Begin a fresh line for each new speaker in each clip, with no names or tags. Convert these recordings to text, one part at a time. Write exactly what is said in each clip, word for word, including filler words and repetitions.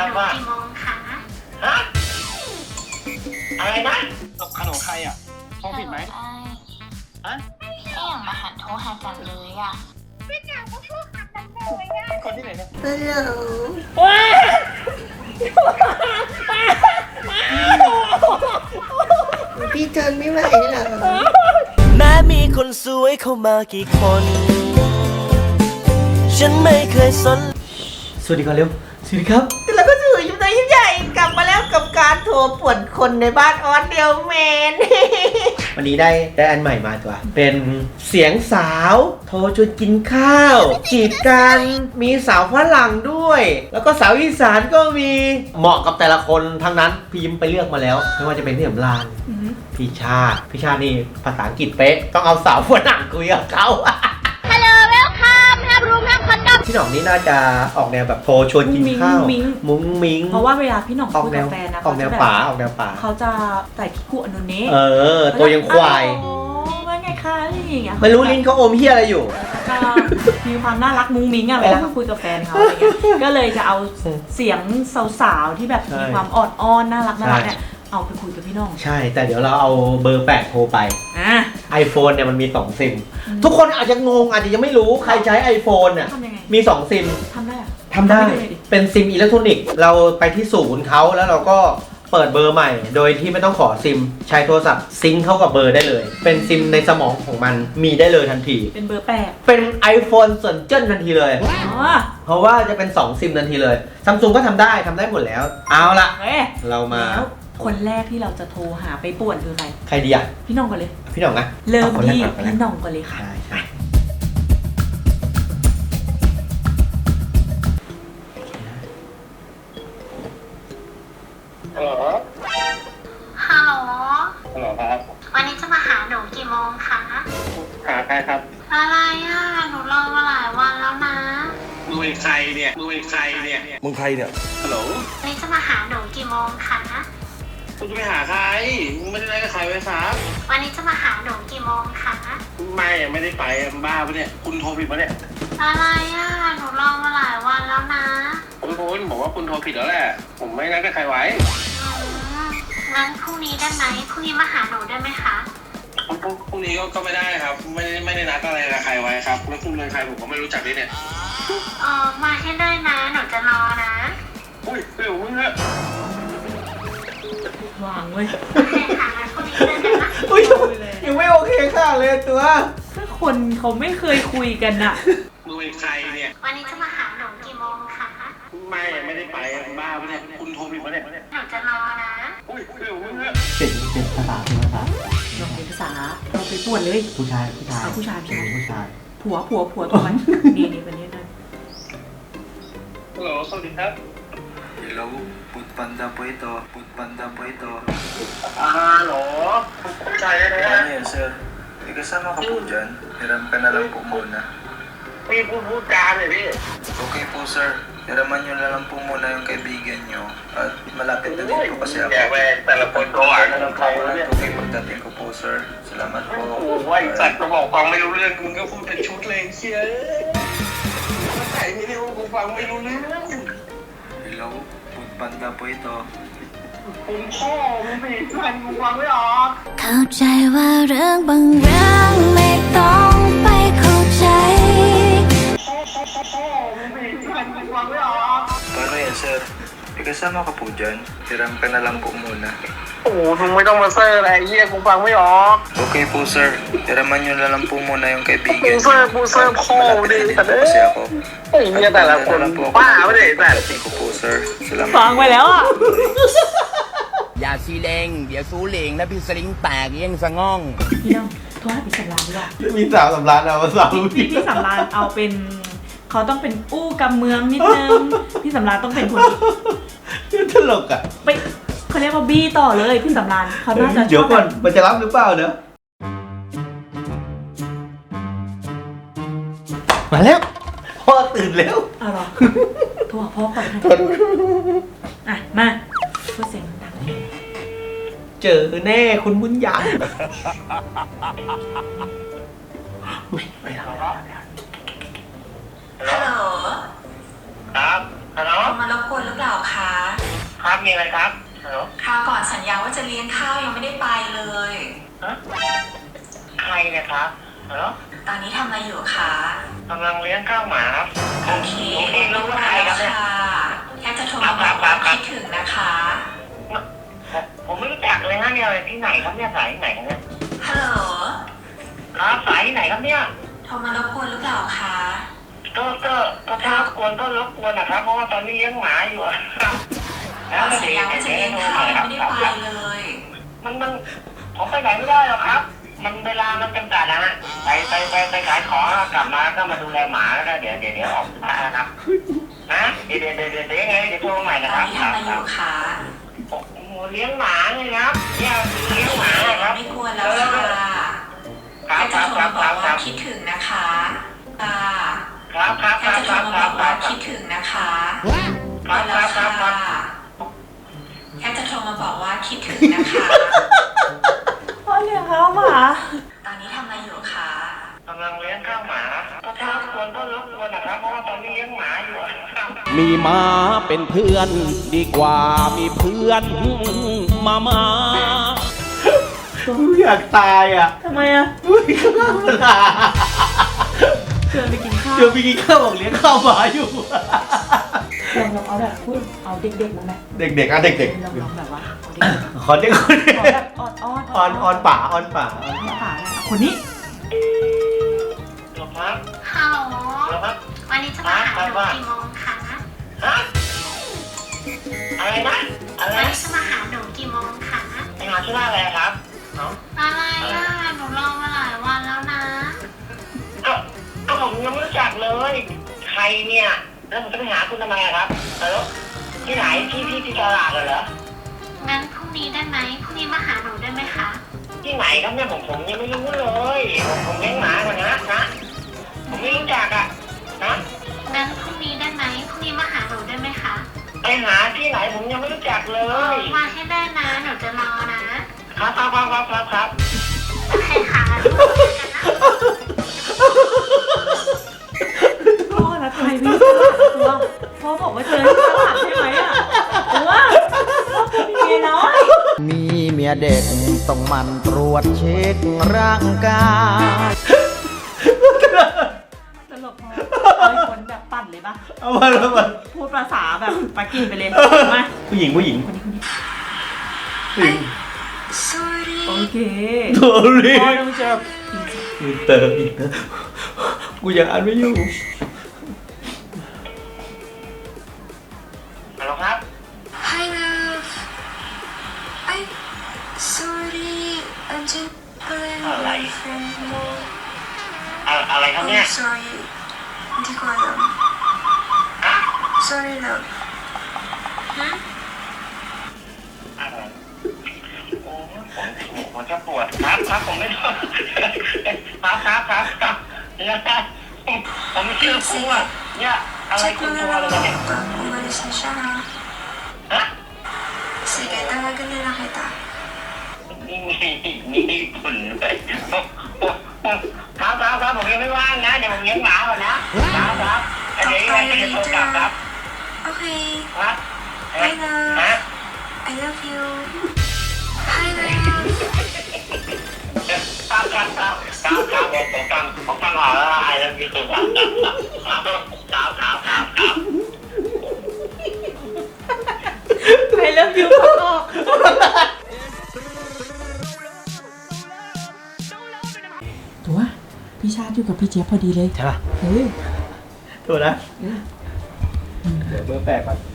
หนูกี่โมงคะฮะอะไรนะ
ตบขนมใครอ่ะโทรผิดไหมฮะ
พี่อย่างมาหันโทรหาจันเลยอ่ะพี่อยากมาโทรหาจันเลยอ่ะ
คนที่ไหนเนี่ย
ฮัลโหลพี่ทนไม่ไหวเหรอ
แม้มีคนสวยเข้ามากี่คนฉันไม่เคยสนสวัสดีครับเร็วสวัสดีครับ
แล้วก็สื่ออยู่ในยิ่งใหญ่กลับมาแล้วกับการโทรป่วนคนในบ้านออนเดียวแมน วันนี้ได้ได้อันใหม่มาตัว เป็นเสียงสาวโทรชวนกินข้าวจีบกันมีสาวฝรั่งด้วยแล้วก็สาวอีสานก็มีเหมาะกับแต่ละคนทั้งนั้นพิมพ์ไปเลือกมาแล้วไม่ว่าจะเป็นพี่สำราญพี่ชาติพี่ชาตินี่ภาษาอังกฤษเป๊ะต้องเอาสาวฝรั่งคุยกับเขา
ฮัลโหลเวลคัมแฮปรูมแฮปคอนดอม
พี่หน่องนี่น่าจะออกแนวแบบโทรชวนกินข้าวมุ้งมิ้ง
เพราะว่าเวลาพี่หน่องคุยกับแฟนนะ
ออกแนวป่าออกแนวป่า
เขาจะใส่คิคุอนุเนะ
เออตัวยังควาย
ว่าไงคะอะไรอย่างเงี้ย
ไม่รู้ลิ้นเขาอมเฮียอะไรอยู่
ก็มีความน่ารักมุ้งมิ้งอะเวลาเขาคุยกับแฟนเขาอะไรเงี้ยก็เลยจะเอาเสียงสาวๆที่แบบมีความอ่อนอ้อนน่ารักน่ารักเนี่ยเอาไปคุยกับพี่น้อง
ใช่แต่เดี๋ยวเราเอาเบอร์แปดโทรไป
อ่ะ
iPhone เนี่ยมันมีสองซิมทุกคนอาจจะงงอาจจะยังไม่รู้ใครใช้ iPhone เนี่ยมีสองซิม
ทำได้
ทำได้เป็นซิมอิเล็กทรอนิกส์เราไปที่ศูนย์เขาแล้วเราก็เปิดเบอร์ใหม่โดยที่ไม่ต้องขอซิมใช้โทรศัพท์ซิงค์เข้ากับเบอร์ได้เลยเป็นซิมในสมองของมันมีได้เลยทันที
เป็นเบอร์แปด
เป็น iPhone ส่วนเจิ้นทันทีเลยเพราะว่าจะเป็นสองซิมทันทีเลยซัมซุงก็ทำได้ทำได้หมดแล้วเอาละเรามา
คนแรกที่เราจะโทรหาไปป่วนคือใคร
ใครดีอ่ะ
พี่น้องก่อนเลย
พี่น้องนะ
เริ่มที่พี่น้องก่อนเลยค่ะ
ใช่
ฮัลโหล
ฮัลโหล
ฮัลโหลครับ
วันนี้จะมาหาหนูกี่โมงคะ
หาใครครับ
อะไรอ่ะหนูรอมาหลายวันแล้วนะ
มึงเป็นใครเนี่ยมึงเป็นใครเนี่ย
มึงใครเนี่ย
ฮัลโหล
วันนี้จะมาหาหนูกี่โมงคะ
คุณจะไปหาใครมึงไม่ได้นัดกับใครไว้ครับ
วันนี้จะมาหาหนูกี่โมงคะ
ไม่ไม่ได้ไปบ้าปะเนี่ยคุณโทรผิดปะเนี่ย
อะไรอ่ะหนูรอมาหลายวันแล้วนะ
คุณคุณบอกว่าคุณโทรผิดแล้วแหละผมไม่นัดกับใครไว้
งั้นพรุ่งนี้ได้ไหมพรุ่งนี้มาหาหนูได้ไหมคะ
พรุ่งนี้ก็ก็ไม่ได้ครับไม่ได้ไม่ได้นัดอะไรกับใครไว้ครับแล้วคุณเป็นใครผมก็ไม่รู้จักด้วยเนี่ย
เออมาให้ได้นะหนูจะรอนะ
อุ้ยเดี๋ยวมึงอะ
วางเว้ย
โอเคค่ะงั้นพรุ่งนี้เจอกันนะ
อุ้ยยังไม่โอเคค่ะเลยตัว
ถ้าคนเขาไม่เคยคุยกันอะ
มึงเป็นใครเนี่ย
วันนี้จะมาหาหนูกี่โมงคะ
ไม่ไม่ได้ไปบ้าปะเนี่ยคุณโทรผิดปะเนี่ย
หนูจะรอนะ
อุ้ยเดี๋ยวมึงอะ
เสียงเสียงภาษาเป็นภาษา
เราเป็นภาษาเราไปป่วนเลย
ผู้ชายผู้ชาย
ผู้ชายผู้ชาย
ผู้ชาย
ผัวผัวผัวตัวมันนี่นี่เป็นนี่นั่น
ฮัลโหลสวัสดีครับ
Hello, Food Panda po ito. Food Panda po ito.
Ah, hello? Kaya na yan?
Ano yan, sir? May kasama ka po dyan. Hiram ka na lang po muna.
May pupuntahan eh, eh.
Okay po, sir. Hiraman nyo na lang po muna yung kaibigan nyo. At malapit na din po kasi ako.
Yeah, well, telepon ko. Ano lang tayo
ulit? Okay, pagdating ko po, sir. Salamat po.
โอ้ยสัตว์ก็บอกฟังไม่รู้เรื่องมึงก็พูดเป็นชุดเลยเชียมาใส่ไม่ได้กูฟังไม่รู้เรื่อง
Hello, Food Panda po ito.
คุณพ่อมึงสิฟังกูฟังไม่ออก
เข้าใจว่าเรื่องบางเรื่องไม่ต้องไปเข้าใจ
พ่อพ่อพ่อมึงสิฟังกูฟังไม่ออก
Paano yan, sir? May kasama ka po dyan. Hiram ka na lang po muna.
โอ้มึงไม่ต้องมาเซอร์อะไรเหี้ยกูฟังไม่ออก
Okay po, sir. Hiraman nyo na lang po muna yung kaibigan nyo.
ปูเซอร์ปูเซอร์พ่อดิแต่เนี่ย
kasi ako.
ไอ้เหี้ยแต่ละคนบ้าไม่ได้แต่
Pagdating ko po, sir. Salamat.
ฟังไปแล้วอ่ะ
อย่าซีเลงเดี๋ยวซูเหลงแล้วพี่สลิงแตกเยี่ยงสะง่อง
พี่น้องโทรหาพี่สำรานดีกว่า
มีสาวสำรานเอาสาว
พี่พี่สำรานเอาเป็นเขาต้องเป็นอู้กำเมืองนิดนึงพี่สำรานต้องเป็นคน
ที่ตลกอ่ะ
ไปเขาเรียกว่าบี้ต่อเลยพี่สำรานเขาน่าจะ
เดี๋ยวก่อนมันจะรับหรือเปล่าเนอะมาแล้วพ่อตื่นแล้ว
อ้าวเหรอโทรหาพ่อก่อนอ่ะมาเพื่อเสียงดัง
เจอแน่คุณบุญยังไม่ทำ
ฮัลโหล
ครับฮัลโหล
มารบกวนหรือเปล่าคะ
อะไรครับฮัลโหล
คราวก่อนสัญญาว่าจะเลี้ยงข้าวยังไม่ได้ไปเลย
ฮะใครนะครับฮัลโหล
ตอนนี้ทำอะไรอยู่คะ
กำลังเลี้ยงข้าวหมาครับ
โอเค
โอเครู้ว่าใครครับเนี่ย
ค่ะแค่จะโทรมาบอกว่าคิดถึงนะคะ
ผมผมไม่รู้จักเลยนะเนี่ยที่ไหนครับเนี่ยสายที่ไหนครับเนี่ย
ฮัลโหล
ครับสายที่ไหนครับเนี่ย
โทรมารบกวนหรือเปล่าคะ
ก็ก็ก็ถ้ารบกวนก็รบกวนนะครับเพราะว่าตอนนี้เลี้ยงหมาอยู่อะแล้ว
สัญญาว่าจะเลี้ยงข้าวยังไม่ได้ไปเลย
มันมันผมไปไหนไม่ได้หรอกครับ มันเวลามันจำกัดนะฮะไปไปไปไปขายของกลับมาก็มาดูแลหมาแล้วเดี๋ยวเดี๋ยวเดี๋ยวออกมานะครับนะเดี๋ยวเดี๋ยวเดี๋ยวเดี๋ยวยังไงเดี๋ยวโทรใหม่นะ
ต
ค
อน
รับ
นี้ทำอะไรอยู่คะ
โอ้โหเลี้ยงหมาเลยครับเนี่ยเลี้ยงหมาครับ
ไม่กวนแล้วค่ะ
ครั
แค่
บค
จะ
รับ
โทร
ครั
มา
บบ ครั
อก
บค
ว่า
รับ
คิดถึงนะคะค่ะ
ครับครับค
แค่
รับ
จะ
ค
โทร
รับ
มา
ครับ บครั
อกว่า
บ
คิดถึงนะคะ
ครับ
แล้
คว รับครั
ค่ะ
บครับ
แค่จะโทรมาบอกว่าคิดถึงนะคะ
พ่อเลี้ยงข้าวหมา
ตอนนี้ทำอะไรอยู่คะ
กำลังเลี้ยงข้าวหมาก็ถ้ารบกวนก็รบกวนนะครับเพราะว่าตอนนี้เลี้ยงหมาอยู่อะครับ
มีม้าเป็นเพื่อนดีกว่ามีเพื่อนมามา
กูอยากตายอ่ะ
ทำไมอะ
อุ้ยข้าวหมา
เชิญไปกินข้าว
เดี๋ยวไปกินข้าวบอกเลี้ยงข้าวหมาอยู่
ลองลองเอาแบบพูดเอาเด็กๆมาไหม
เด็กๆอ่ะเด็ก
ลองลองแบบว่าเอาเด็ก
ๆขอเด็กคน
ๆขอแบบออดออด
ออนออนป่าออนป่า
ออนป่าเนี่ยเอาคนนี้
หรอครับ
ฮัลโหล
หรอครับ
วันนี้จะมาหาหนูกี่โมงคะ
ฮะอะไรนะอะไร
วัน
นะ
นี้จะมาหาหนูกี่โมงคะ
ไปหาชื่อว่าอะไรครับเนาะ
อะไรอ่ะ หนูรอมาหลายวันแล้วนะ
ก็ก็ผมยังไม่รู้จักเลย ใครเนี่ยแล้วผมจะไปหาคุณทำไมอะครับเออที่ไหนที่ที่ที่ตลาดเหรอ
งั้นพรุ่งนี้ได้ไหมพรุ่งนี้มาหาหนูได้ไหมคะ
ที่ไหนครับเนี่ยผมผมยังไม่รู้เลยผมผมเลี้ยงหมาก่อนนะนะผมไม่รู้จักอะนะ
งั้นพรุ่งนี้ได้ไหมพรุ่งนี้มาหาหนูได้ไหมคะ
ไปหาที่ไหนผมยังไม่รู้จักเล
เออย มาให้ได้นะ หนูจะรอนะ
ครับครับครับครับครับครับ
โอเคค่ะงั้นพรุ่งนี้กันนะ
พ่อนะทำไมพี่ฉลาดตัวพ่อบอกว่าเจอฉลาดใช่ไหมอะตัวพ่อเป็นเมียน้อย
มีเมียเด็กต้องหมันตรวจเช็คร่างกาย
ตลกพอเอาไอ้คนแบบปั่นเลยปะ
เอามาแล้วมา
พูดภาษาแบบปากีไปเลยมา
ผู้หญิงผู้หญิง
คนนี้คนนี้
ผู้หญิง
โอเค
โทรี
พ่อต้องเจอ
อินเตอร์อินเตอร์กูยังอ่านไม่อยู่
ฮัลโหลครับ
Hi love. I sorry. I'm just playing with my friend.
อะอะไรครับเนี่ย
Oh sorry. Hindi ko alam. Sorry love.
อะไรโอ้ผมผมจะปวดครับครับผมไม่รู้ครับครับครับครับเนี่ยผมไม่เชื่อคุณอ่ะเนี่ยอะไร
Check
คุ
mo
ณ
na
ตัว
lang
อะไรเนี่ย
pag umalis na siya ha.
ฮะ
Sige, tawagan na lang kita.
มีมีมีผลเลยครับครับครับผมยังไม่ว่างนะเดี๋ยวผมเลี้ยงหมาก่อนนะครับครับเดี๋ยวยังไงจะโทรกลับครับ
Okay.
ครับ
Hi love.
ฮะ
I love you. Hi love.
ครับครับครับครับครับผมฟังผมฟังออกแล้วไอ้เรื่องนี้คือครับครับครับครับครับครับ
ใครเริ่มยูขออกตัวพี่ชาติอยู่กับพี่เจี๊ยบพอดีเลย
ใช่ป่ะ
เฮ้ย
ถูกนะเดี๋ยวเบอร์แปลกก่อน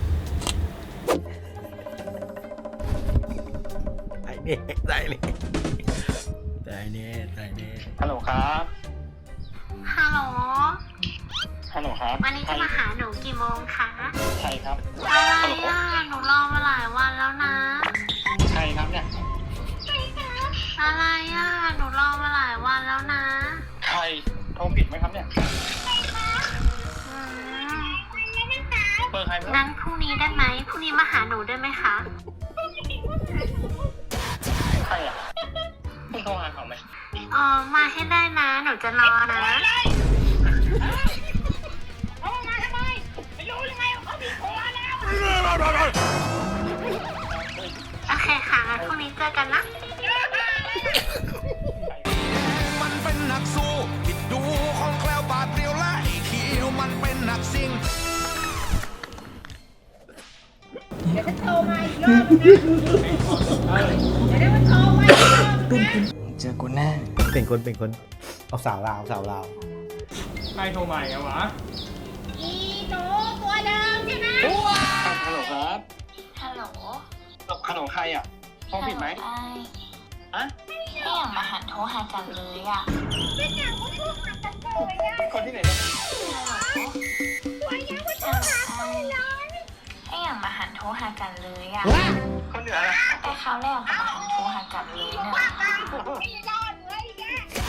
ไอ้เน่ได้เลยได้เน่ได้เน่
ฮัลโหลครับ
ฮัลโหล
ฮัลโหลครับ
วันนี้จะมาหาหนูกี่โมงคะ
ใช่ครับ
อะไรอ่ะ หนูรอมาหลายวันแล้วนะ
ใช่ครับเนี่ย
อะไรอ่ะ หนูรอมาหลายวันแล้วนะ
ใครโทรผิดไหมครับเนี่ย
อืม
เบอร์ใครไม่รู้
งั้นพรุ่งนี้ได้ไหมพรุ่งนี้มาหาหนูได้ไหมคะ
ใครอ่ะคุณโทรหาเขาไหม
อ๋อ มาให้ได้นะ หนูจะรอนะ
โทรมาทำไมไม่รู้ยังไงเขาผิดโทรแล้ว
อกันนะ
มันเป็นนักสู้ผิดดูของแคล้วบาดเดียวและไอ้เขียวมันเป็นนักซิ่ง
เจอกูแน่
เป็นคนเป็นคนเอาสาวลาวสาวลาว
ใครโทรใหม่อะวะ
อีหนูตัวเดิมใช่ไหม
ฮัลโหลครับ
ฮัลโหล
ฮัลโหลใครอะโทรผิดไหม
ไอ้
ฮะ
ไม่อยากมาหันโทรหากันเลยอ่ะไม่อยากมาโทรหากันเลยอ่ะ
คนที่ไหนนะ
ไม่อยากมาโทรหากันเลยไม่อยากมาหันโทรหากันเลยอ่ะ
คนเหนืออะไร
แต่เขาวแรกก็มาหันโทรหากันเลยเนอะไม่รอดเลยแก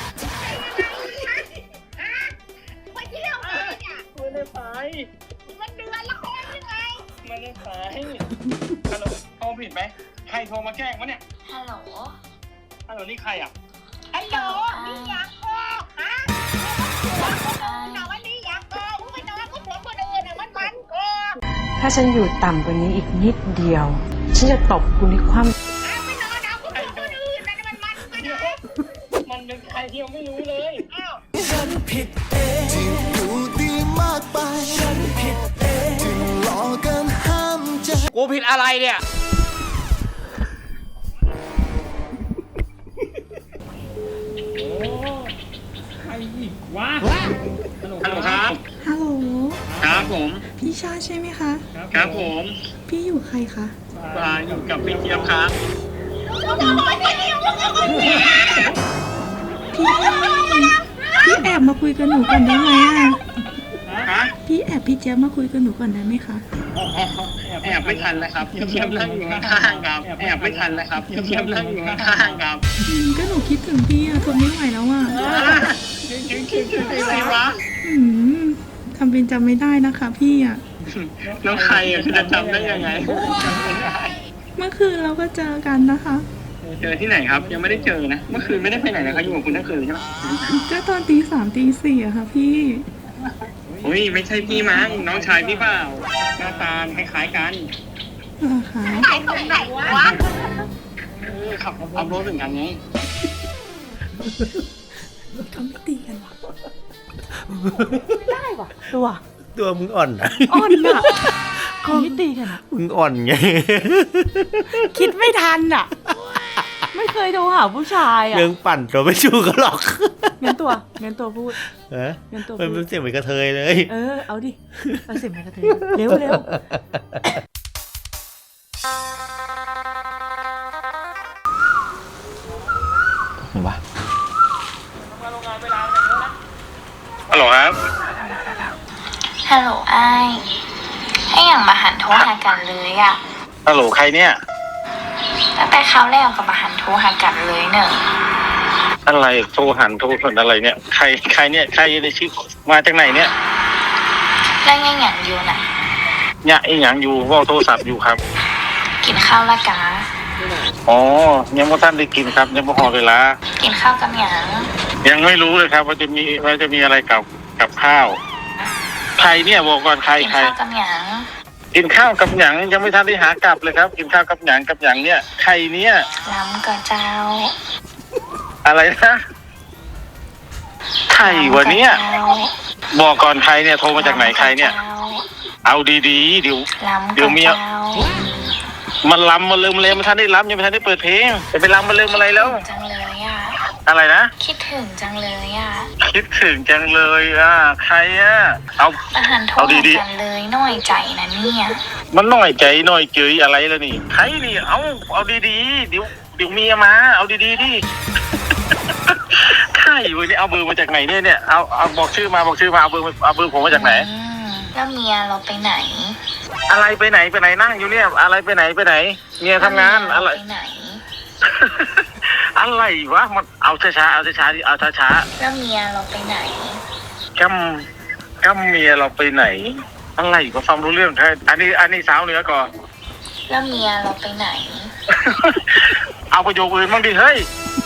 ไปเที่ยวเลยอ่ะ
ไม่ได้ไป
มันเดือนละคนยังไง
ไม่ได้ไปฮัลโหลโทรผิดไหมใครโทรมาแกล้งวะเนี่ย
ฮัลโหล
ฮัลโหลนี่ใครอะ
ฮัลโหลนี่อยากออกฮะแต่ว่านี่อยากออกมึงไปนอนกับผัวคนอื่นอ่ะมันมันกอก
ถ้าฉันอยู่ต่ำกว่านี้อีกนิดเดียว ฉันจะตบคุณให้คว่ำ
ไปนอนเอากับผัวคนอื่นนะมันมันกันนะ
มันเป็นใครที่ยังไม่รู้เลย
อ้าว
ฉันผิดเองที่อยู่ดีมากไปฉันผิดเองจึงหลอกกันห้ามใจ
กูผิดอะไรเนี่ย
ใครอีกวะฮัลโหลครับ
ฮัลโหล
ครับผม
พี่ชาใช่ไหมคะ
ครับผม
พี่อยู่ใครคะ
มาอยู่กับพี่เจี๊ยบครับ
พี่แอบมาคุยกับหนูก่อนได้ไหมอ่ะ
ฮะ
พี่แอบพี่เจี๊ยบมาคุยกับหนูก่อนได้ไหมคะ
แอบไม่ทันเลยครับเจี๊ยบนั่งอยู่ข้างๆครับแอบไม่ทันเลยครับเจี๊ยบนั่งอยู่ข้างๆครับ
อืมก็หนูคิดถึงพี่อะทนไม่ไหวแล้วอะ
จริงจริงจริงจริงจริงวะ
อืมทำเป็นจำไม่ได้นะคะพี่อะ
น้องใครอ่ะจะจำได้ยังไงจำไม่ได้
เมื่อคืนเราก็เจอกันนะคะ
เจอที่ไหนครับยังไม่ได้เจอนะเมื่อคืนไม่ได้ไปไหนเลยเขาอยู่กับคุณทั้งคืนใช่ไหม
ก็ตอนตีสามตีสี่อะค่ะพี่
อุ้ยไม่ใช่พี่มั้งน้องชายพี่เปล่าหน้าตาคล้ายๆกัน
เหรอคะ
ไหนตรงไหนวะ
เออขับขับรถเหมือนกันไง
เขาไม่ตีกันหรอไม่ได้ว่ะตัว
ตัวมึงอ่อนนะ
อ่อนอะเขาไม่ตีกันอะ
มึงอ่อนไง
คิดไม่ทันอะไม่เคยโทรหาผู้ชายอะ
เรื่องปั่นตัวไม่ชูกันหรอก
งั้นตัวงั้นตัวพูด
เออ
งั้นตัว
มัน
พู
เป็
ด
นเสียงเหมือนกระเทยเลย
เออเอาดิเอาเสียงมากระเทยเร็วเร็ว
วะ
ฮัลโหลครับ
ฮัลโหลไอ้ให้อย่างมาหันโทรหากันเลยอ่ะ
ฮัลโหลใครเนี่ย
ตั้งแต่เขาวแรกก็มาหันโทรหากันเลยเนอะ
อะไรโทรหันโทรหันอะไรเนี่ยใครใครเนี่ยใครในชื่อมาจากไหนเนี่ย
แล้วยังอย่างอยู่น่ะ
เนี่ยไอ้หยังอยู่ว่าโทรศัพท์อยู่ครับ
กินข้าวละกา
อ๋อยังไม่ทันได้กินครับยังไม่พอเวลา
กินข้าวกับหยัง
ยังไม่รู้เลยครับว่าจะมีว่าจะมีอะไรกับกับข้าวใครเนี่ยบอกก่อนใคร
กิน
ใคร
ข้าวกับหยัง
กินข้าวกับหยังยังไม่ทันได้หากลับเลยครับ กินข้าวกับหยังกับหยังเนี่ยใครเนี่ย
ล้ำกับเจ้า
อะไรนะใครวะเนี่ยบอกก่อนใครเนี่ยโทรมาจากไหนใครเนี่ย เอาดีๆเดี๋ยว
ล้ำ
เดี๋
กั
ยว
บ
เมีย
เจ้า
มันล้ำมาเลยมาเลยมันทันได้ล้ำยังไม่ทันได้เปิดเพลงจะไปล้ำมาเลยมาอะไรแล้ว
จังเลยอ่ะ
อะไรนะ
คิดถึงจังเลยอ่ะ
คิดถึงจังเลยอ่ะใครอ่ะเอา
มาหันโทร
เอา
หา
ดีๆ
กันเลยน้อยใจนะเนี่ย
มันน้อยใจน้อยเจยอะไรแล้วนี่ใครนี่เอาเอาดีๆเดี๋ยวเดี๋ยวเมียมาเอาดีๆดิใครวะเนี่ยเอาเบอร์มาจากไหนเนี่ยเนี่ยเอาเอาบอกชื่อมาบอกชื่อมาเอาเบอร์เอาเบอร์ผมมาจากไหน
อืมแล้วเมียเราไปไหน
อะไรไปไหนไปไหนนั่งอยู่เนี่ยอะไรไปไหนไปไหนเมียทำงานอะไร
ไปไหน
อะไรวะมันเอาช้าๆเอาช้าๆดิเอาช้า
แล้วเมียเราไปไหน
ๆกำกำเมียเราไปไหน อะไรก็ฟังรู้เรื่องแค่อันนี้อันนี้สาวเหนือก่อน
แล้วเมียเราไปไหน
เอาประโยคอื่นบ้างดิเฮ้ย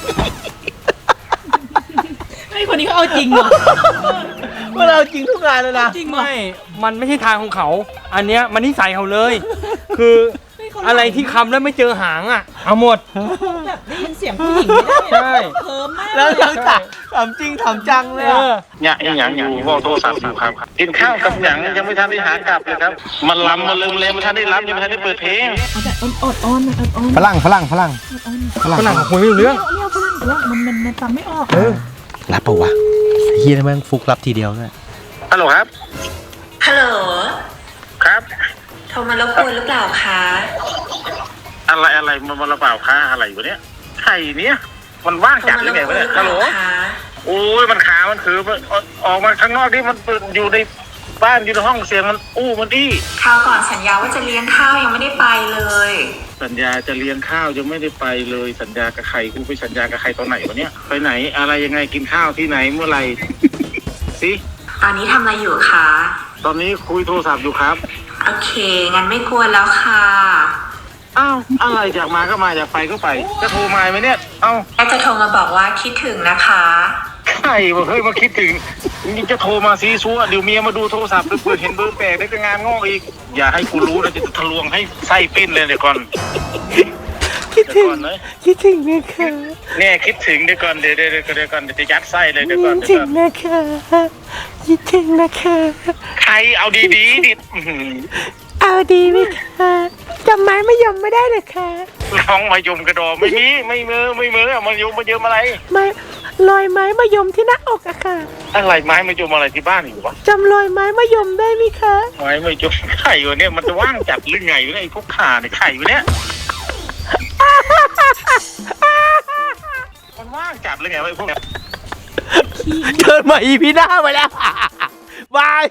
ไอ้คนนี้เขาเอาจริงว่ะ
ว่าเราจริงทุกงานเลยนะ
จริงว่ะ
ไม่ มันไม่ใช่ทางของเขา อันเนี้ยมันนิสัยเขาเลย คือ
ไม่เขา
อะไรที่คำแล้วไม่เจอหางอ่ะ เอาหมด
แบบได้ยินเสียงผู้หญิงไม่ได้
ใช่
เคิร์มมาก
แล้ว
เลย
ยังถามถามจริงถามจังเลย
เอ
อะ
อ
เนี่ยอีหยังอยู่บอกโทรศัพท์อยู่ครับกินข้าวกับหยังยังไม่ทันได้หากลับเลยครับมันลำมาลืมเลยไม่ทันได้รับยังไม่ทันได้เปิดเพลง
เอาแต่อดอ้อนอดอ้อน
ฝรั่งฝรั่งฝรั่งฝรั่งคุยไม่รู้เรื่อง
เรียกฝรั่งว่ามันมันมันฟังไม่ออก
เออ
รับปะวะเฮียแม่งฟุกรับทีเดียวเลย
ฮัลโหลครับ
ฮัลโหล
ครับ
โทรมารบกวนหรือเปล่าคะ
อะไรอะไรมันมาระเบ่าค่าอะไรวะเนี้ยไข่เนี้ยมันว่าง
โทร
จัด
มา
ห
ร
รือบ ไง
กว
วะ
นห
เนี่
รื
ย
อเป
ฮัล
ล่า
โหล
คะ
โอ้ยมันขามันคือมันออกออกมาข้างนอกที่มันอยู่ในบ้านอยู่ในห้องเสียงมันอู้มันอี้
คราวก่อนสัญญาว่าจะเลี้ยงข้าวยังไม่ได้ไปเลย
สัญญาจะเลี้ยงข้าวยังไม่ได้ไปเลยสัญญากับใครกูไปสัญญากับใครตอนไหนวะเนี้ยไปไหนอะไรยังไงกินข้าวที่ไหนเมื่อไหร่สิ
ตอนนี้ทำอะไรอยู่คะ
ตอนนี้คุยโทรศัพท์อยู่ครับ
โอเค งั้นไม่กวนแล้วค่ะ
อ้าวอะไรอยากมาก็มาอยากไปก็ไปจะโทรมาไหมเนี่ยเอ้า
แค่จะโทรมาบอกว่าคิดถึงนะคะ
ใครวะเฮ้ยมาคิดถึงนี่จะโทรมาซีซัวเดี๋ยวเมียมาดูโทรศัพท์เปิดเห็นเบอร์แปลกได้ก็งานงอกอีกอย่าให้กูรู้นะจะทะลวงให้ไส้ปิ้นเลยเดี๋ยวก่อน
คิดถึง
เดี๋ยวก่อนนะ
คิดถึงนะคะ
เนี่ยคิดถึงเดี๋ยวก่อนเดี๋ยวเดี๋ยวเดี๋ยวเดี๋ยวก่อนเดี๋ยวจะยัดไส้เลยเดี๋ยวก่อน
คิด
เดี๋ยว
ถึ
ก่
ง
อน
นะคะคิดถึงนะคะ
ใครเอาดีๆดิอื้อหือ
เอาดีไหมคะจำไม้ไม่ยอมไม่ได้เลยค่ะ
น้องมายมกระดอไม่มีไม่มือไม่มือมายมมายมอะไร
ไม้รอยไม้มายมที่หน้าอกอะค่ะ
อะไรไม้มายมอะไรที่บ้านอยู่วะ
จำรอยไม้มายมได้ไหมคะ
ไม้มายมไข่วะเนี่ยมันจะว่างจัดหรือไงวะเนี่ยไอ้พวกขาเนี่ยไข่วะเนี่ยมันว่างจัดหรือไงวะไอ้พวกเนี้ย
เชิญมาอีพีหน้าไปแล้วบาย